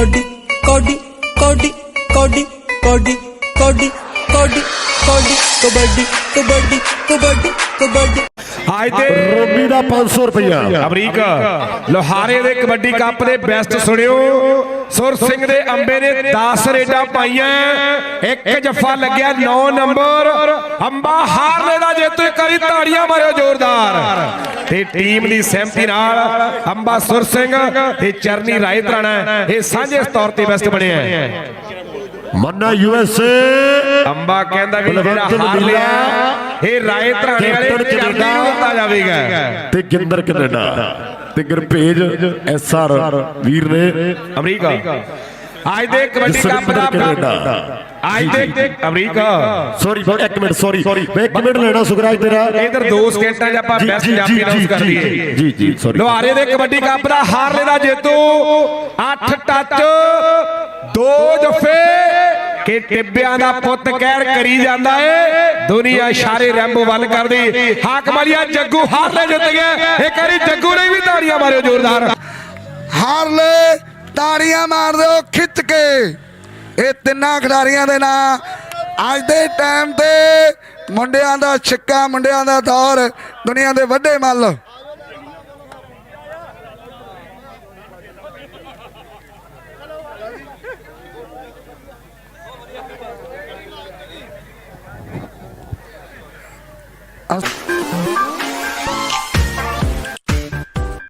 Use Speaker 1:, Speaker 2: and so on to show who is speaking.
Speaker 1: कबड्डी कौडी कौडी कौडी कौडी कौडी कौडी कौडी कबड्डी कबड्डी कबड्डी कबड्डी
Speaker 2: आज दे
Speaker 3: रोमी दा 500 रुपया
Speaker 2: अमरीका लोहारे दे कबड्डी कप दे बेस्ट सुनियो सुर सिंह दे अंबे ने 10 रेडा पाइयां एक जफा लग्या 9 नंबर अंबा हारने दा जेतू करी ताड़ियां मारो जोरदार ते टीम दी सहमति नाल अंबा सुर सिंह ते चरनी रायत राणा ये सांझे तौर ते बेस्ट बने हैं
Speaker 3: मन्ना यूएसए
Speaker 2: अंबा कहंदा भी जेड़ा हार लिया ये रायत राणे वाले चरनी होता जावेगा
Speaker 3: ते गिंदर कनाडा ते गुरभेज एसआर वीर ने
Speaker 2: अमरीका आज दे कबड्डी कप दा आज दे अमरीका
Speaker 3: सॉरी एक मिनट सॉरी मैं एक मिनट लेना सुखराज तेरा
Speaker 2: इधर 2 सेकंडां च ਆਪਾਂ ਬੈਸਟ ਪੰਜਾਬੀ ਅਨਾਉਂਸ ਕਰ ਦਈਏ
Speaker 3: जी जी सॉरी
Speaker 2: ਲੋਹਾਰੇ ਦੇ ਕਬੱਡੀ ਕੱਪ ਦਾ ਹਾਰਲੇ ਦਾ ਜੇਤੂ 8 ਟੱਚ 2 ਜਫੇ ਕਿ ਟਿੱਬਿਆਂ ਦਾ ਪੁੱਤ ਕਹਿਰ ਕਰੀ ਜਾਂਦਾ ਏ ਦੁਨੀਆ ਇਸ਼ਾਰੇ ਰੈਂਬੋ ਵੱਲ ਕਰਦੀ ਹਾਕਮ ਵਾਲੀਆ ਜੱਗੂ ਹਾਰਲੇ ਜਿੱਤ ਗਿਆ ਇੱਕ ਵਾਰੀ ਜੱਗੂ ਨੇ ਵੀ ਤਾੜੀਆਂ ਮਾਰਿਓ ਜ਼ੋਰਦਾਰ
Speaker 4: ਹਾਰਲੇ ਤਾੜੀਆਂ ਮਾਰ ਦਿਓ ਖਿੱਚ ਕੇ ਇਹ ਤਿੰਨਾਂ ਖਿਡਾਰੀਆਂ ਦੇ ਨਾਂ ਅੱਜ ਦੇ ਟਾਈਮ ਤੇ ਮੁੰਡਿਆਂ ਦਾ ਛਿੱਕਾ ਮੁੰਡਿਆਂ ਦਾ ਦੌਰ ਦੁਨੀਆ ਦੇ ਵੱਡੇ ਮੱਲ